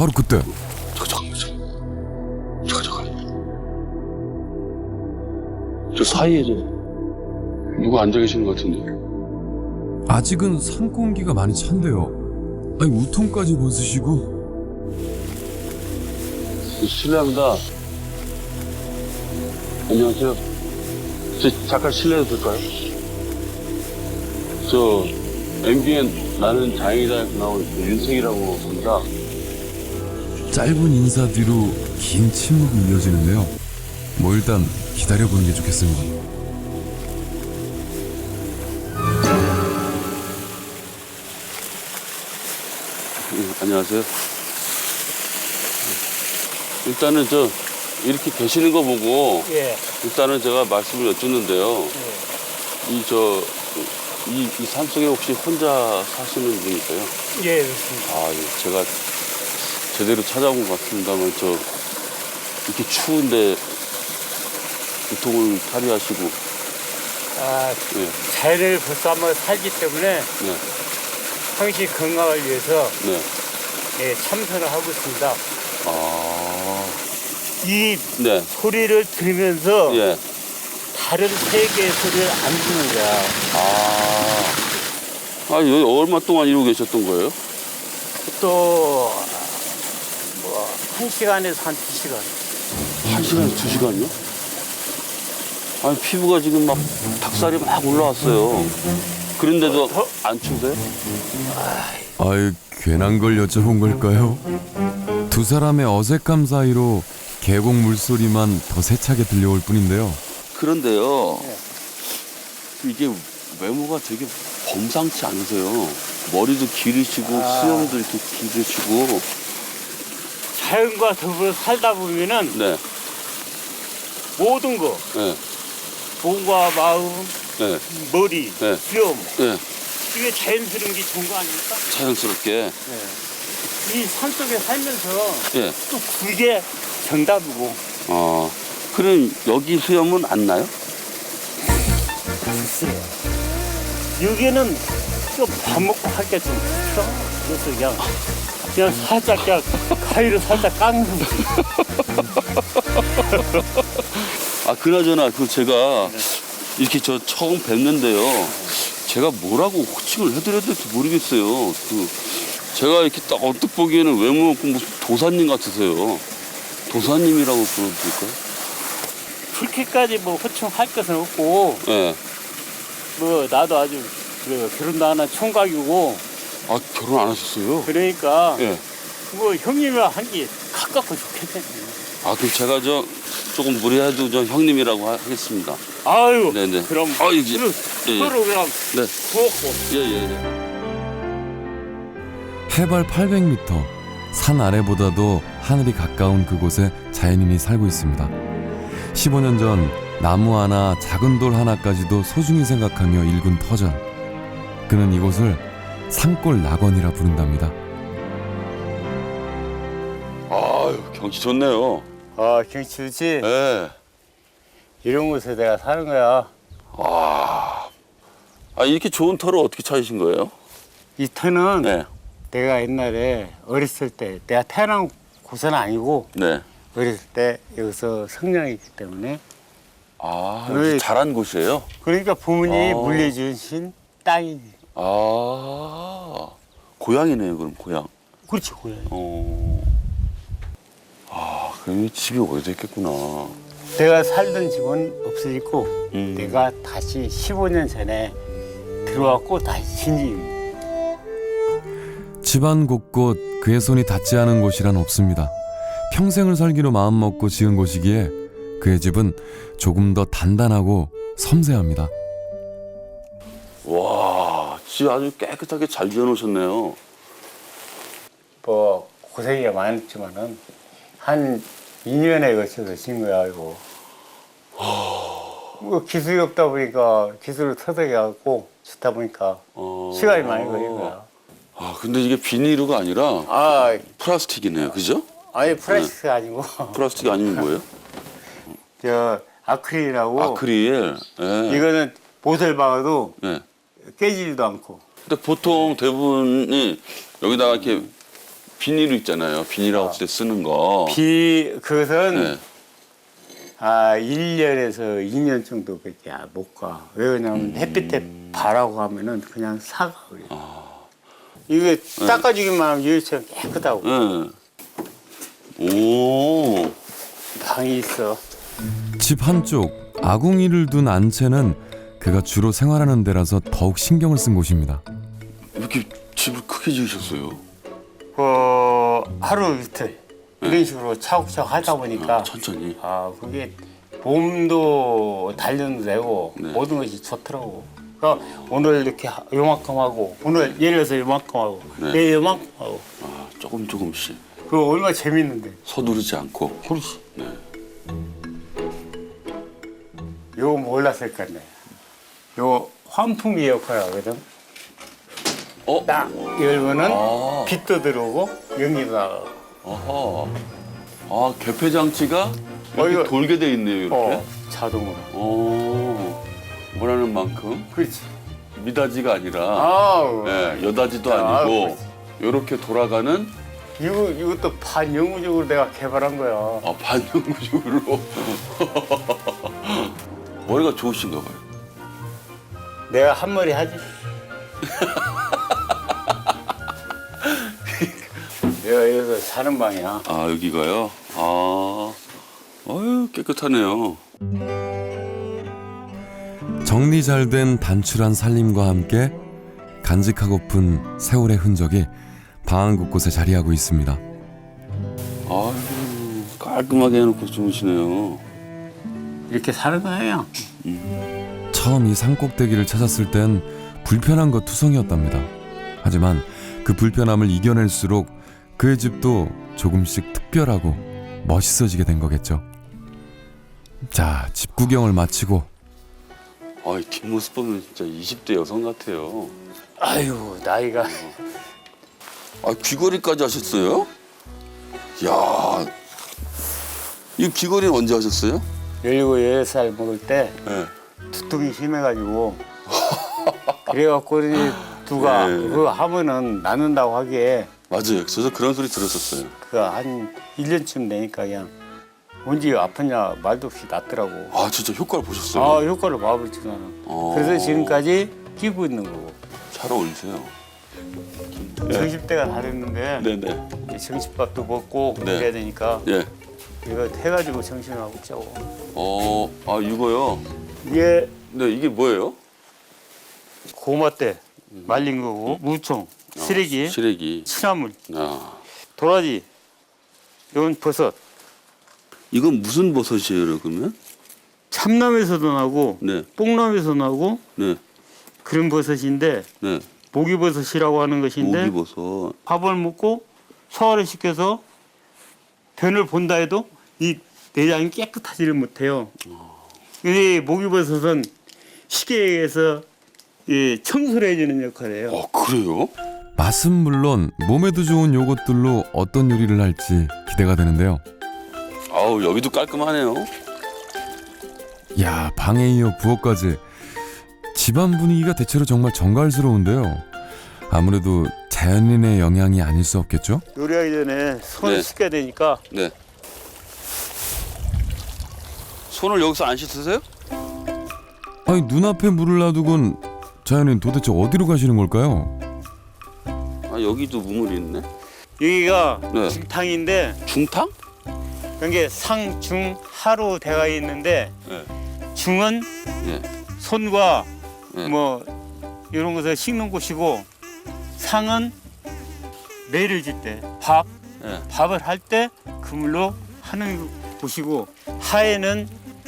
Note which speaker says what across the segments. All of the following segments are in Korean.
Speaker 1: 바로 그때
Speaker 2: 잠깐. 저 사이에 누가 앉아 계시는 것 같은데.
Speaker 1: 아직은 산공기가 많이 찬데요. 아니 우통까지 벗으시고.
Speaker 2: 실례합니다. 안녕하세요. 저 잠깐 실례해도 될까요? 저 MBN 나는 장애인이다 나온 윤승이라고 합니다.
Speaker 1: 짧은 인사 뒤로 긴 침묵이 이어지는데요. 뭐 일단 기다려보는 게 좋겠습니다.
Speaker 2: 안녕하세요. 일단은 저 이렇게 계시는 거 보고
Speaker 3: 예.
Speaker 2: 일단은 제가 말씀을 여쭙는데요. 이 산속에 혹시 혼자 사시는 분이세요?
Speaker 3: 예, 그렇습니다.
Speaker 2: 아, 예. 제가 제대로 찾아온 것 같습니다만 이렇게 추운데 우통을 탈의하시고. 예.
Speaker 3: 자연을 벌써 한번 살기 때문에
Speaker 2: 네.
Speaker 3: 항시 건강을 위해서
Speaker 2: 네.
Speaker 3: 예, 참선을 하고 있습니다.
Speaker 2: 아.
Speaker 3: 이
Speaker 2: 네.
Speaker 3: 소리를 들으면서
Speaker 2: 예.
Speaker 3: 다른 세계의 소리를 안 듣는 거야.
Speaker 2: 여기 얼마 동안 이러고 계셨던 거예요?
Speaker 3: 또, 뭐, 1시간에서 한 2시간.
Speaker 2: 1시간에서 2시간이요? 아니, 피부가 지금 막 닭살이 막 올라왔어요. 그런데도 안 추세요?
Speaker 1: 아유 괜한 걸 여쭤본 걸까요? 두 사람의 어색함 사이로 계곡 물소리만 더 세차게 들려올 뿐인데요.
Speaker 2: 그런데요.
Speaker 3: 네.
Speaker 2: 이게 외모가 되게 범상치 않으세요. 머리도 기르시고 수염도 이렇게 기르시고.
Speaker 3: 자연과 더불어 살다 보면은
Speaker 2: 네.
Speaker 3: 모든 거,
Speaker 2: 네.
Speaker 3: 몸과 마음,
Speaker 2: 네.
Speaker 3: 머리,
Speaker 2: 네.
Speaker 3: 수염,
Speaker 2: 네.
Speaker 3: 이게 자연스러운 게 좋은 거 아닙니까?
Speaker 2: 자연스럽게.
Speaker 3: 이 산속에 살면서
Speaker 2: 예.
Speaker 3: 또 그게 정답이고.
Speaker 2: 그럼 여기 수염은 안 나요?
Speaker 3: 글쎄요. 여기는 좀 밥 먹고 할 게 좀 그렇죠. 그래서 그냥 살짝 그냥 가위로 살짝 깎는 거지.
Speaker 2: 그나저나 제가 이렇게 저 처음 뵙는데요. 제가 뭐라고 호칭을 해드려야 될지 모르겠어요. 제가 이렇게 딱 언뜻 보기에는 외모 없고 무슨 도사님 같으세요. 도사님이라고 불러도 될까요?
Speaker 3: 그렇게까지 뭐 호칭할 것은 없고,
Speaker 2: 네.
Speaker 3: 뭐 나도 아주 결혼도 안 한 총각이고,
Speaker 2: 결혼 안 하셨어요?
Speaker 3: 그러니까
Speaker 2: 예.
Speaker 3: 뭐 형님이랑 한 게 가깝고 좋겠네.
Speaker 2: 그럼 제가 조금 무리해도 형님이라고 하겠습니다.
Speaker 3: 아유,
Speaker 2: 네네.
Speaker 3: 그럼
Speaker 2: 이제. 예, 예.
Speaker 3: 서로 그냥
Speaker 2: 네.
Speaker 3: 부었고.
Speaker 2: 예.
Speaker 1: 해발 800m, 산 아래보다도 하늘이 가까운 그곳에 자연인이 살고 있습니다. 15년 전 나무 하나, 작은 돌 하나까지도 소중히 생각하며 일군 터전. 그는 이곳을 산골 낙원이라 부른답니다.
Speaker 2: 경치 좋네요.
Speaker 3: 경치 좋지?
Speaker 2: 네.
Speaker 3: 이런 곳에 내가 사는 거야.
Speaker 2: 이렇게 좋은 터를 어떻게 찾으신 거예요?
Speaker 3: 이 터는
Speaker 2: 네.
Speaker 3: 내가 옛날에 어렸을 때, 내가 태어난 곳은 아니고,
Speaker 2: 네.
Speaker 3: 어렸을 때 여기서 성장했기 때문에.
Speaker 2: 여기 자란 곳이에요?
Speaker 3: 그러니까 부모님이 물려주신 땅이지.
Speaker 2: 고향이네요, 그럼 고향.
Speaker 3: 그렇지, 고향.
Speaker 2: 그럼 이 집이 오래됐겠구나.
Speaker 3: 내가 살던 집은 없어졌고,
Speaker 2: 음.
Speaker 3: 내가 다시 15년 전에 들어왔고, 다시 진입입니다.
Speaker 1: 집안 곳곳 그의 손이 닿지 않은 곳이란 없습니다. 평생을 살기로 마음먹고 지은 곳이기에 그의 집은 조금 더 단단하고 섬세합니다.
Speaker 2: 와, 집 아주 깨끗하게 잘 지어놓으셨네요.
Speaker 3: 뭐, 고생이 많았지만은, 한 2년에 걸쳐서 진 거야, 이거. 뭐 기술이 없다 보니까 기술을 터득해갖고 짓다 보니까 시간이 많이 걸린 거야.
Speaker 2: 근데 이게 비닐루가 아니라 플라스틱이네요, 그죠?
Speaker 3: 아니 플라스틱 아니고
Speaker 2: 플라스틱이 아니면 뭐예요?
Speaker 3: 저 아크릴이라고.
Speaker 2: 아크릴. 네.
Speaker 3: 이거는 못을 박아도
Speaker 2: 네.
Speaker 3: 깨지지도 않고.
Speaker 2: 근데 보통 대부분이 여기다가 이렇게 비닐 있잖아요. 비닐하우스 때 쓰는 거.
Speaker 3: 그것은
Speaker 2: 네.
Speaker 3: 1년에서 2년 정도밖에 못 가. 왜냐면 햇빛에 바라고 하면은 그냥 사가 그래. 이게 닦아주기만 하면 유리처럼 깨끗하고.
Speaker 2: 네. 오.
Speaker 3: 방이 있어.
Speaker 1: 집 한쪽 아궁이를 둔 안채는 그가 주로 생활하는 데라서 더욱 신경을 쓴 곳입니다.
Speaker 2: 이렇게 집을 크게 지으셨어요?
Speaker 3: 하루 이틀 이런 식으로 차곡차곡 하다 보니까
Speaker 2: 천천히.
Speaker 3: 그게 몸도 단련도 되고
Speaker 2: 네.
Speaker 3: 모든 것이 좋더라고. 그러니까 오늘 이렇게 요만큼 하고 오늘 예를 들어서 요만큼 하고
Speaker 2: 네.
Speaker 3: 내일 요만큼 하고
Speaker 2: 조금씩.
Speaker 3: 그거 얼마나 재밌는데.
Speaker 2: 서두르지 않고.
Speaker 3: 그렇지.
Speaker 2: 네.
Speaker 3: 요거 몰랐을 건데. 요 환풍기 역할을 하거든. 딱 열면은 빛도 들어오고 연기도 나가고.
Speaker 2: 아하. 개폐 장치가 이렇게
Speaker 3: 이거-
Speaker 2: 돌게 돼 있네요, 이렇게.
Speaker 3: 자동으로.
Speaker 2: 원하는 만큼
Speaker 3: 그렇지.
Speaker 2: 미닫이가 아니라
Speaker 3: 아우.
Speaker 2: 여닫이도 아니고 이렇게 돌아가는
Speaker 3: 이것도 반영구적으로 내가 개발한 거야.
Speaker 2: 반영구적으로. 머리가 좋으신가 봐요.
Speaker 3: 내가 한 머리 하지. 내가 여기서 사는 방이야.
Speaker 2: 여기가요? 아유, 깨끗하네요.
Speaker 1: 정리 잘 된 단출한 살림과 함께 간직하고픈 세월의 흔적이 방 곳곳에 자리하고 있습니다.
Speaker 2: 아유, 깔끔하게 해놓고 주무시네요.
Speaker 3: 이렇게 사는 거예요.
Speaker 1: 처음 이 산꼭대기를 찾았을 땐 불편한 것 투성이었답니다. 하지만 그 불편함을 이겨낼수록 그의 집도 조금씩 특별하고 멋있어지게 된 거겠죠. 자, 집 구경을 마치고
Speaker 2: 이 뒷모습 보면 진짜 20대 여성 같아요.
Speaker 3: 아유, 나이가.
Speaker 2: 귀걸이까지 하셨어요? 이야, 이 귀걸이는 언제 하셨어요?
Speaker 3: 17, 18살 먹을 때
Speaker 2: 네.
Speaker 3: 두통이 심해가지고 그래갖고 우리 두가
Speaker 2: 네.
Speaker 3: 그거 하면은 낫는다고 하기에
Speaker 2: 맞아요. 저도 그런 소리 들었었어요.
Speaker 3: 그 한 1년쯤 되니까 그냥 언제 아프냐 말도 없이 낫더라고.
Speaker 2: 진짜 효과를 보셨어요?
Speaker 3: 효과를 봐버렸지 나는. 그래서 지금까지 끼고 있는 거고.
Speaker 2: 잘 어울리세요.
Speaker 3: 정신때가 다 됐는데
Speaker 2: 네네.
Speaker 3: 이제 정신밥도 먹고
Speaker 2: 네.
Speaker 3: 그래야 되니까
Speaker 2: 예.
Speaker 3: 이거 해가지고 정신하고 있자고.
Speaker 2: 이거요?
Speaker 3: 이게
Speaker 2: 네, 이게 뭐예요?
Speaker 3: 고마 때 말린 거고 무총, 쓰레기,
Speaker 2: 시래기.
Speaker 3: 취나물,
Speaker 2: 아.
Speaker 3: 도라지, 이건 버섯.
Speaker 2: 이건 무슨 버섯이에요, 그러면?
Speaker 3: 참나무에서도 나고
Speaker 2: 네.
Speaker 3: 뽕나무에서 나고
Speaker 2: 네.
Speaker 3: 그런 버섯인데
Speaker 2: 네.
Speaker 3: 모기버섯이라고 하는 것인데
Speaker 2: 모기버섯.
Speaker 3: 밥을 먹고 소화를 시켜서 변을 본다 해도 이 내장이 깨끗하지를 못해요. 이 모기버섯은 쉽게 얘기해서 이 청소를 해주는 역할을 해요.
Speaker 2: 그래요?
Speaker 1: 맛은 물론 몸에도 좋은 요것들로 어떤 요리를 할지 기대가 되는데요.
Speaker 2: 여기도 깔끔하네요.
Speaker 1: 야, 방에 이어 부엌까지 집안 분위기가 대체로 정말 정갈스러운데요. 아무래도 자연인의 영향이 아닐 수 없겠죠?
Speaker 3: 요리하기 전에 손을
Speaker 2: 네.
Speaker 3: 씻겨야 되니까
Speaker 2: 네. 손을 여기서 안 씻으세요?
Speaker 1: 아니, 눈앞에 물을 놔두곤 자연인 도대체 어디로 가시는 걸까요?
Speaker 2: 여기도 무물이 있네.
Speaker 3: 여기가
Speaker 2: 네.
Speaker 3: 중탕인데
Speaker 2: 중탕?
Speaker 3: 그게 상중하로 되어 있는데
Speaker 2: 네.
Speaker 3: 중은
Speaker 2: 네.
Speaker 3: 손과
Speaker 2: 네.
Speaker 3: 뭐 이런 것을 씻는 곳이고 상은 매를 질 때
Speaker 2: 네.
Speaker 3: 밥을 할 때 그물로 하는 곳이고 하에는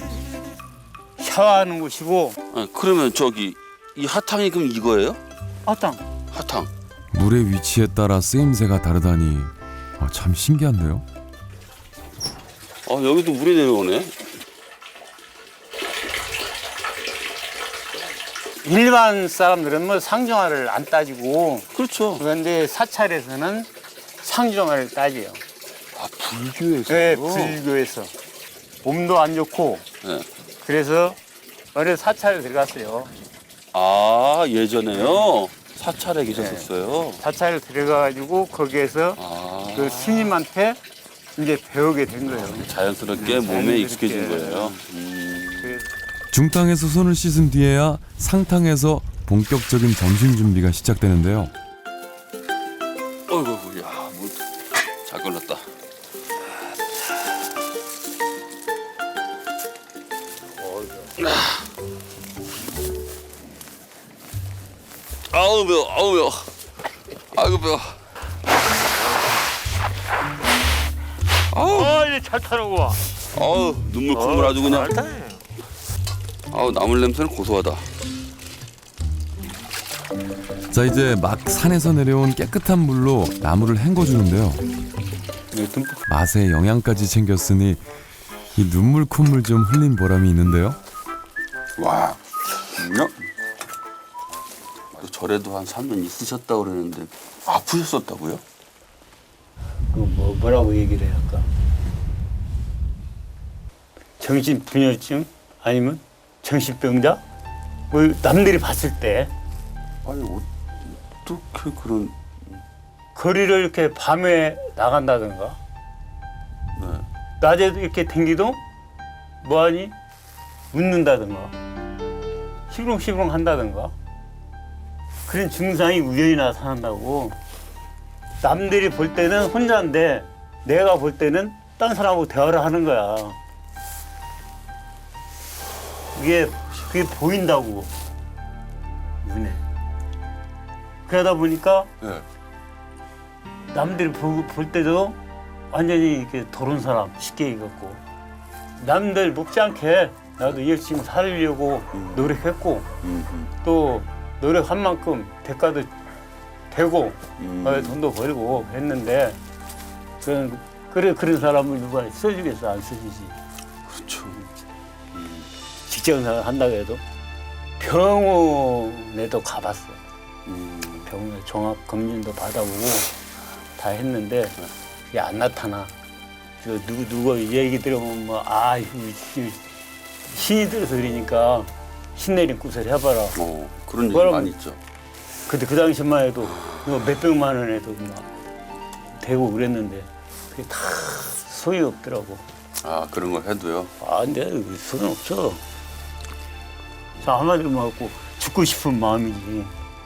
Speaker 3: 샤워하는 곳이고
Speaker 2: 그러면 이 하탕이 그럼 이거예요?
Speaker 3: 아땅
Speaker 2: 하탕.
Speaker 1: 물의 위치에 따라 쓰임새가 다르다니 참 신기한데요.
Speaker 2: 여기도 물이 내려오네.
Speaker 3: 일반 사람들은 뭐 상정화를 안 따지고
Speaker 2: 그렇죠.
Speaker 3: 그런데 사찰에서는 상정화를 따져요.
Speaker 2: 불교에서.
Speaker 3: 네, 불교에서 몸도 안 좋고
Speaker 2: 네.
Speaker 3: 그래서 어느 사찰에 들어갔어요.
Speaker 2: 예전에요? 사찰에 계셨었어요.
Speaker 3: 사찰에 들어가가지고 거기에서 그 스님한테 이제 배우게 된 거예요.
Speaker 2: 자연스럽게 몸에
Speaker 3: 자연스럽게.
Speaker 2: 익숙해진 거예요.
Speaker 3: 그래서
Speaker 1: 중탕에서 손을 씻은 뒤에야 상탕에서 본격적인 점심 준비가 시작되는데요.
Speaker 2: 어이구, 야, 뭐 잘 걸렸다. 아우 매워, 아우 매워. 아이고 매워. 아우,
Speaker 3: 이제 잘 타는구나.
Speaker 2: 아우 눈물 콧물 아주 그냥. 아우 나물 냄새는 고소하다.
Speaker 1: 자, 이제 막 산에서 내려온 깨끗한 물로 나무를 헹궈주는데요. 맛에 영양까지 챙겼으니 이 눈물 콧물 좀 흘린 보람이 있는데요.
Speaker 2: 와, 그 절에도 한 3년 있으셨다고 그러는데 아프셨었다고요?
Speaker 3: 뭐라고 얘기를 해야 할까? 정신분열증 아니면 정신병자? 뭐 남들이 봤을 때
Speaker 2: 아니 어떻게 그런?
Speaker 3: 거리를 이렇게 밤에 나간다든가
Speaker 2: 네.
Speaker 3: 낮에도 이렇게 댕기도 뭐하니? 웃는다든가 시부렁시부렁 한다든가 그런 증상이 우연히 나타난다고. 남들이 볼 때는 혼자인데 내가 볼 때는 딴 사람하고 대화를 하는 거야. 그게 보인다고 눈에. 그러다 보니까
Speaker 2: 네.
Speaker 3: 남들이 볼 때도 완전히 이렇게 도른 사람 쉽게 익었고, 남들 먹지 않게 나도 열심히 살려고 노력했고 또 노력한 만큼 대가도 되고 돈도 벌고 했는데 그런 사람을 누가 써주겠어? 안 써주지.
Speaker 2: 그렇죠.
Speaker 3: 직장생활 한다고 해도 병원에도 가봤어. 병원에 종합 검진도 받아보고 다 했는데 그게 안 나타나. 저 누가 얘기 들어보면 뭐 신이 들어서 그러니까 신내림 구설 해봐라.
Speaker 2: 그런 얘기
Speaker 3: 뭐라고?
Speaker 2: 많이 있죠.
Speaker 3: 근데 그 당시만 해도 뭐 몇백만 원에도 막 되고 그랬는데 그게 다 소용이 없더라고.
Speaker 2: 아 그런 걸 해도요.
Speaker 3: 근데 소용 없어. 자, 한마디로 말하고 죽고 싶은 마음이지.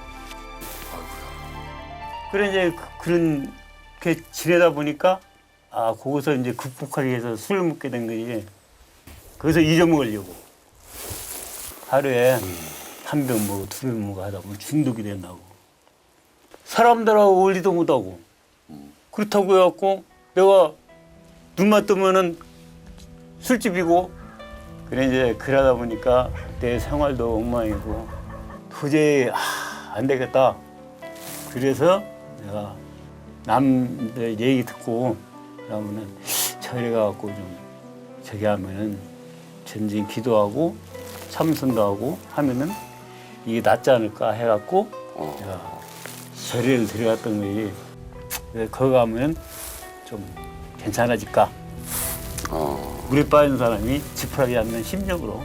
Speaker 3: 그래 이제 그렇게 지내다 보니까 거기서 이제 극복하기 위해서 술을 먹게 된 거지. 거기서 잊어먹으려고 하루에 한 병 먹고 두 병 먹고 하다 보면 중독이 된다고. 사람들하고 어울리도 못하고. 그렇다고 해갖고 내가 눈만 뜨면은 술집이고. 그래 이제 그러다 보니까 내 생활도 엉망이고 도저히 안 되겠다. 그래서 내가 남들 얘기 듣고 그러면은 절에 가갖고 좀 저기 하면은 전진 기도하고 참선도 하고 하면은 이게 낫지 않을까 해갖고 내가 절에를 들어갔던 거지. 그래서 거기 가면 좀 괜찮아질까. 물에 빠진 사람이 지푸라기 잡는 심정으로.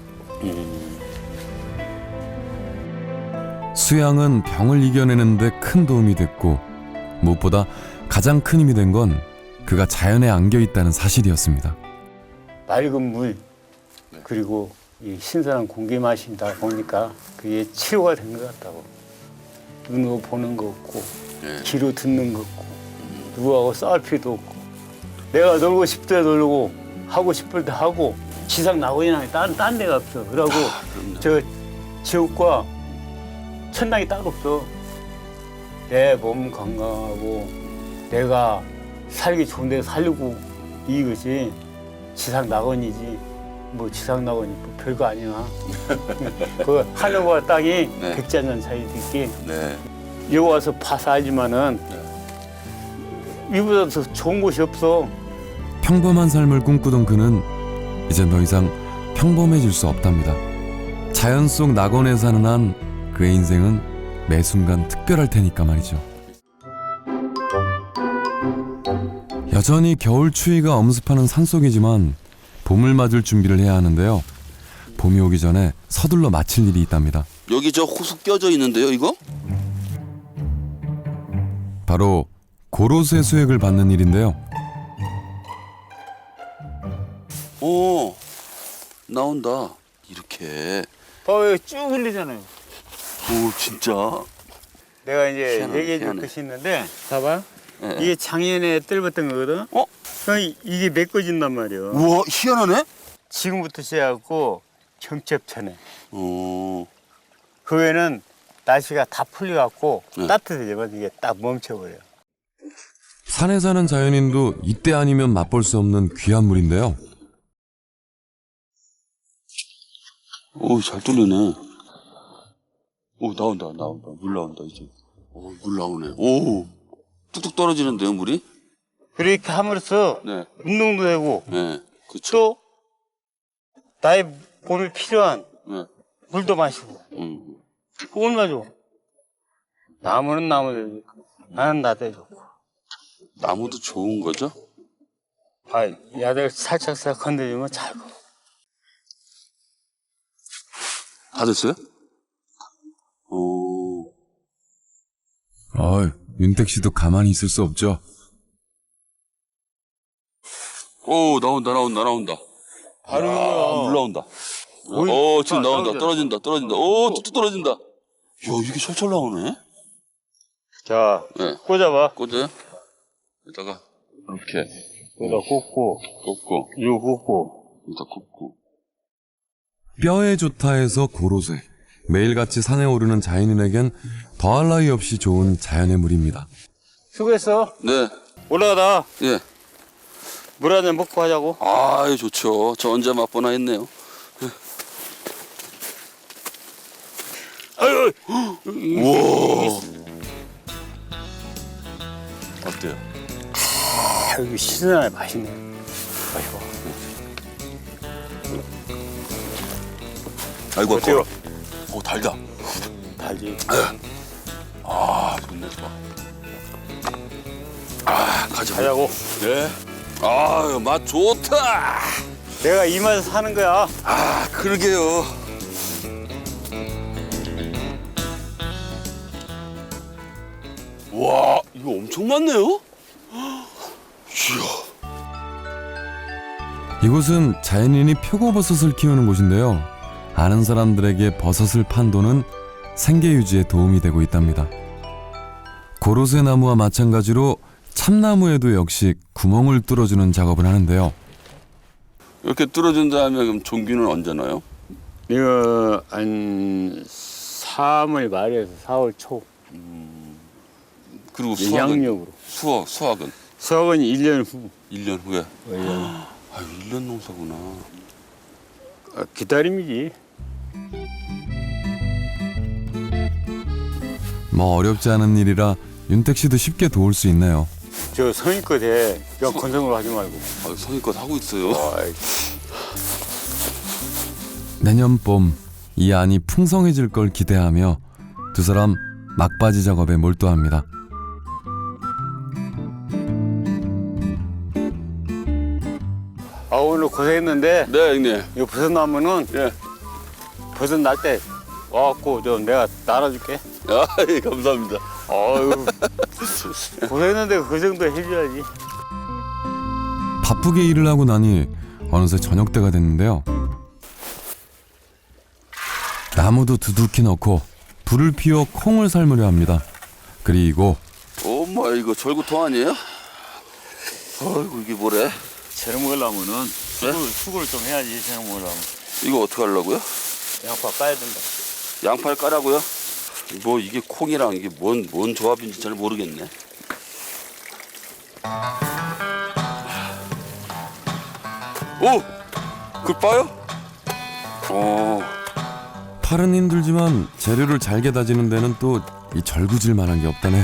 Speaker 1: 수양은 병을 이겨내는 데 큰 도움이 됐고 무엇보다 가장 큰 힘이 된 건 그가 자연에 안겨 있다는 사실이었습니다.
Speaker 3: 맑은 물 그리고 이 신선한 공기 마신다 보니까 그게 치료가 된 것 같다고. 눈으로 보는 거 없고 귀로 듣는 거 없고 누구하고 싸울 필요도 없고 내가 놀고 싶을 때 놀고 하고 싶을 때 하고 지상 낙원이나 딴 데가 없어. 그러고 저 지옥과 천당이 따로 없어. 내 몸 건강하고 내가 살기 좋은 데 살려고 이것이 지상 낙원이지. 뭐 지상 낙원이 뭐 별거 아니야. 그 하늘과 땅이 백자년 사이에 있기. 여기 와서 봐서 알지만은 이보다 더 좋은 곳이 없어.
Speaker 1: 평범한 삶을 꿈꾸던 그는 이제 더 이상 평범해질 수 없답니다. 자연 속 낙원에 사는 한 그의 인생은 매 순간 특별할 테니까 말이죠. 여전히 겨울 추위가 엄습하는 산속이지만 봄을 맞을 준비를 해야 하는데요. 봄이 오기 전에 서둘러 마칠 일이 있답니다.
Speaker 2: 여기 저 호수 껴져 있는데요, 이거?
Speaker 1: 바로 고로쇠 수액을 받는 일인데요.
Speaker 2: 오, 나온다. 이렇게.
Speaker 3: 봐요, 쭉 흘리잖아요.
Speaker 2: 오, 진짜.
Speaker 3: 내가 이제
Speaker 2: 희한하네,
Speaker 3: 얘기해 줄
Speaker 2: 희한해.
Speaker 3: 것이 있는데, 봐봐.
Speaker 2: 예.
Speaker 3: 이게 작년에 뜰봤던 거거든?
Speaker 2: 어?
Speaker 3: 그럼 이게 메꿔진단 말이야.
Speaker 2: 우와, 희한하네?
Speaker 3: 지금부터 시작하고 경첩천에.
Speaker 2: 오,
Speaker 3: 그 외에는 날씨가 다 풀려갖고
Speaker 2: 네.
Speaker 3: 따뜻해지면 이게 딱 멈춰버려.
Speaker 1: 산에 사는 자연인도 이때 아니면 맛볼 수 없는 귀한 물인데요.
Speaker 2: 오, 잘 뚫리네. 오, 나온다. 물 나온다, 이제. 오, 물 나오네. 오, 뚝뚝 떨어지는데요, 물이?
Speaker 3: 그렇게 함으로써
Speaker 2: 네.
Speaker 3: 운동도 되고
Speaker 2: 네, 그쵸.
Speaker 3: 또 나의 몸에 필요한
Speaker 2: 네.
Speaker 3: 물도 마시고 그걸 마죠. 나무는 나무대로 좋고 나는 나대로 좋고.
Speaker 2: 나무도 좋은 거죠?
Speaker 3: 아, 야들 살짝 건드리면 잘 가.
Speaker 2: 다 됐어요? 오,
Speaker 1: 윤택 씨도 가만히 있을 수 없죠.
Speaker 2: 오, 나온다.
Speaker 3: 바로
Speaker 2: 물
Speaker 3: 이거야.
Speaker 2: 나온다.
Speaker 3: 오이,
Speaker 2: 오, 지금
Speaker 3: 아,
Speaker 2: 나온다. 떨어진다. 오, 뚝뚝 떨어진다. 야, 이게 철철 나오네?
Speaker 3: 자,
Speaker 2: 네.
Speaker 3: 꽂아봐.
Speaker 2: 꽂아요? 여기다가, 이렇게.
Speaker 3: 여기다 꽂고
Speaker 2: 꽂고,
Speaker 3: 이거 꽂고.
Speaker 2: 여기다 꽂고.
Speaker 1: 뼈에 좋다 해서 고로쇠. 매일같이 산에 오르는 자연인에겐 더할 나위 없이 좋은 자연의 물입니다.
Speaker 3: 수고했어.
Speaker 2: 네,
Speaker 3: 올라가다
Speaker 2: 예.
Speaker 3: 물 한 잔 먹고 하자고.
Speaker 2: 아유, 좋죠. 저 언제 맛보나 했네요.
Speaker 3: 아유,
Speaker 2: 우와. 어때요?
Speaker 3: 아, 이거 시원하네. 맛있네. 맛있어.
Speaker 2: 아이고,
Speaker 3: 어때요?
Speaker 2: 아까워. 오, 달다.
Speaker 3: 달지.
Speaker 2: 아, 좋네, 좋아. 아, 가자.
Speaker 3: 가자고.
Speaker 2: 네. 아유, 맛 좋다.
Speaker 3: 내가 이 맛에 사는 거야.
Speaker 2: 아, 그러게요. 와, 이거 엄청 많네요? 이야.
Speaker 1: 이곳은 자연인이 표고버섯을 키우는 곳인데요. 아는 사람들에게 버섯을 판도는 생계 유지에 도움이 되고 있답니다. 고로쇠 나무와 마찬가지로 참나무에도 역시 구멍을 뚫어주는 작업을 하는데요.
Speaker 2: 이렇게 뚫어준 다음에 그럼 종균은 언제 넣어요?
Speaker 3: 이거 한 3월 말에서 4월 초.
Speaker 2: 그리고 수확은?
Speaker 3: 양력으로.
Speaker 2: 수확은?
Speaker 3: 수확은 1년 후.
Speaker 2: 1년 후에?
Speaker 3: 1년.
Speaker 2: 아유, 1년 농사구나.
Speaker 3: 기다림이지.
Speaker 1: 뭐 어렵지 않은 일이라 윤택 씨도 쉽게 도울 수 있네요.
Speaker 3: 저 성의껏 해. 그냥 건성으로 하지 말고.
Speaker 2: 아유, 성의껏 하고 있어요.
Speaker 3: 아이,
Speaker 1: 내년 봄 이 안이 풍성해질 걸 기대하며 두 사람 막바지 작업에 몰두합니다.
Speaker 3: 아, 오늘 고생했는데
Speaker 2: 네, 형님.
Speaker 3: 이 버섯 나무는
Speaker 2: 예.
Speaker 3: 버섯 날 때 와갖고 좀 내가 날아줄게.
Speaker 2: 아, 예, 감사합니다.
Speaker 3: 아유, 고생했는데 그 정도 해줘야지.
Speaker 1: 바쁘게 일을 하고 나니 어느새 저녁 때가 됐는데요. 나무도 두둑히 넣고 불을 피워 콩을 삶으려 합니다. 그리고
Speaker 2: 엄마, 이거 절구통 아니에요? 아이고, 이게 뭐래?
Speaker 3: 저녁 먹으려면은 수고를 좀 해야지. 저녁 먹으려면
Speaker 2: 이거 어떻게 하려고요?
Speaker 3: 양파 까야 된다.
Speaker 2: 양파를 까라고요? 뭐 이게 콩이랑 이게 뭔 조합인지 잘 모르겠네. 오! 그걸 빠요?
Speaker 1: 팔은 힘들지만 재료를 잘게 다지는 데는 또 이 절구질 만한 게 없다네요.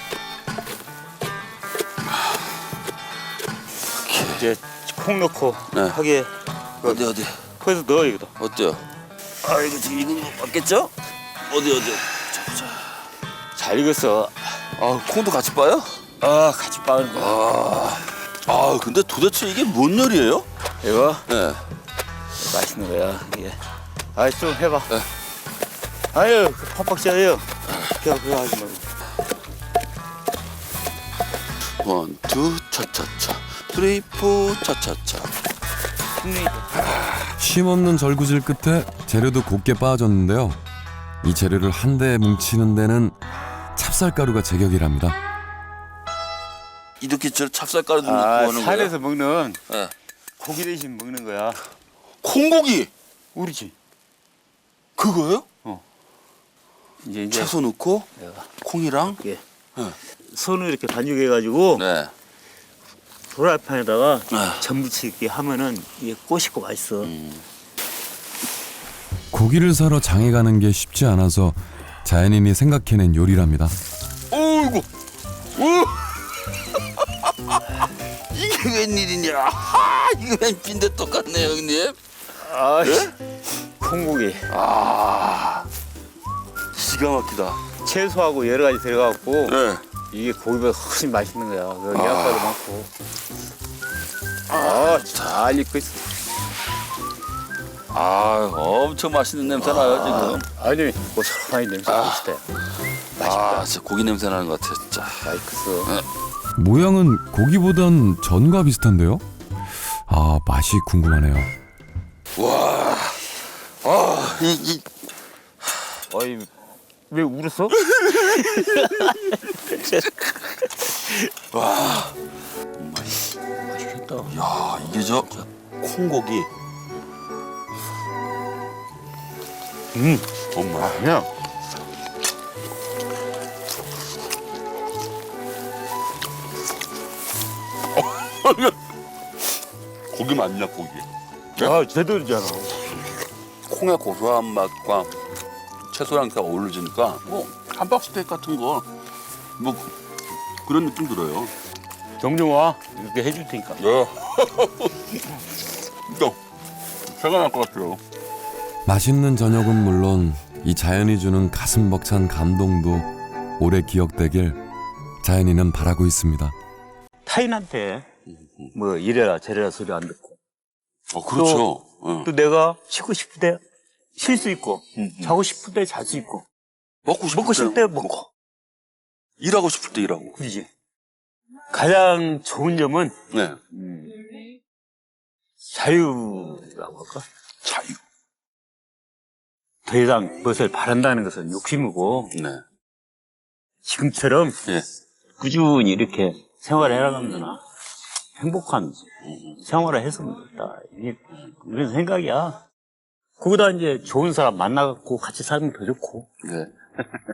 Speaker 3: 이제 콩 넣고
Speaker 2: 네.
Speaker 3: 하게
Speaker 2: 어디?
Speaker 3: 거기서 넣어 이거다.
Speaker 2: 어때요? 아, 이거 지금 이거 맞겠죠? 어디? 자.
Speaker 3: 잘 익었어.
Speaker 2: 아, 콩도 같이 빠요?
Speaker 3: 아, 같이 빠는 거야.
Speaker 2: 아, 근데 도대체 이게 뭔 요리예요?
Speaker 3: 이거
Speaker 2: 네.
Speaker 3: 맛있는 거야 이게. 아, 좀 해봐.
Speaker 2: 네.
Speaker 3: 아유, 그 팍팍 쪄요. 그거 하지 말고.
Speaker 2: 원, 투, 차차차. 쓰리, 포, 차차차.
Speaker 1: 쉼없는 절구질 끝에 재료도 곱게 빠졌는데요. 이 재료를 한데 뭉치는 데는 찹쌀가루가 제격이랍니다.
Speaker 2: 이렇게 저 찹쌀가루 넣고
Speaker 3: 아,
Speaker 2: 하는 거야?
Speaker 3: 산에서 먹는
Speaker 2: 예.
Speaker 3: 고기 대신 먹는 거야.
Speaker 2: 콩고기
Speaker 3: 우리지.
Speaker 2: 그거예요?
Speaker 3: 이제
Speaker 2: 채소 넣고 콩이랑.
Speaker 3: 예.
Speaker 2: 네.
Speaker 3: 손을 이렇게 반죽해가지고
Speaker 2: 네.
Speaker 3: 프라이팬에다가
Speaker 2: 아.
Speaker 3: 전부치게 하면은 이게 꼬시고 맛있어.
Speaker 1: 고기를 사러 장에 가는 게 쉽지 않아서 자연인이 생각해낸 요리랍니다.
Speaker 2: 어이구. 이게 웬일이냐? 이게 웬 빈대 똑같네 형님.
Speaker 3: 아, 콩고기.
Speaker 2: 아, 기가 막히다.
Speaker 3: 채소하고 여러 가지 들어가고
Speaker 2: 네.
Speaker 3: 이게 고기보다 훨씬 맛있는 거야. 여기 양파도 많고. 아, 잘 익고 있어.
Speaker 2: 아, 엄청 맛있는 냄새 나요 지금.
Speaker 3: 아니, 고소한 냄새 맛있다.
Speaker 2: 아, 진짜 고기 냄새 나는 것 같아 진짜.
Speaker 3: 맛있어.
Speaker 1: 모양은 고기보단 전과 비슷한데요? 아, 맛이 궁금하네요.
Speaker 2: 와, 이
Speaker 3: 어이, 왜 울었어?
Speaker 2: 맛있겠다. 야, 이게 저 콩고기. 엄마.
Speaker 3: 그냥.
Speaker 2: 고기 맞냐 고기?
Speaker 3: 아, 제대로잖아.
Speaker 2: 콩의 고소한 맛과 채소랑 다 어우러지니까 뭐 함박스테이크 같은 거 뭐 그런 느낌 들어요.
Speaker 3: 종종 와. 이렇게 해줄 테니까.
Speaker 2: 네. 또 새가 날 것 같아요.
Speaker 1: 맛있는 저녁은 물론 이 자연이 주는 가슴 벅찬 감동도 오래 기억되길 자연이는 바라고 있습니다.
Speaker 3: 타인한테 뭐 이래라 저래라 소리 안 듣고.
Speaker 2: 그렇죠.
Speaker 3: 또 내가 쉬고 싶을 때 쉴 수 있고, 자고 싶을 때 잘 수 있고,
Speaker 2: 먹고
Speaker 3: 싶을 때 먹고.
Speaker 2: 일하고 싶을 때 일하고.
Speaker 3: 그러지. 가장 좋은 점은
Speaker 2: 네.
Speaker 3: 자유라고 할까?
Speaker 2: 자유.
Speaker 3: 더 이상 무엇을 바란다는 것은 욕심이고,
Speaker 2: 네.
Speaker 3: 지금처럼
Speaker 2: 예.
Speaker 3: 꾸준히 이렇게 생활을 해나가면 행복한 생활을 했으면 좋겠다. 이게 이런 생각이야. 거기다 이제 좋은 사람 만나갖고 같이 살면 더 좋고.
Speaker 2: 네.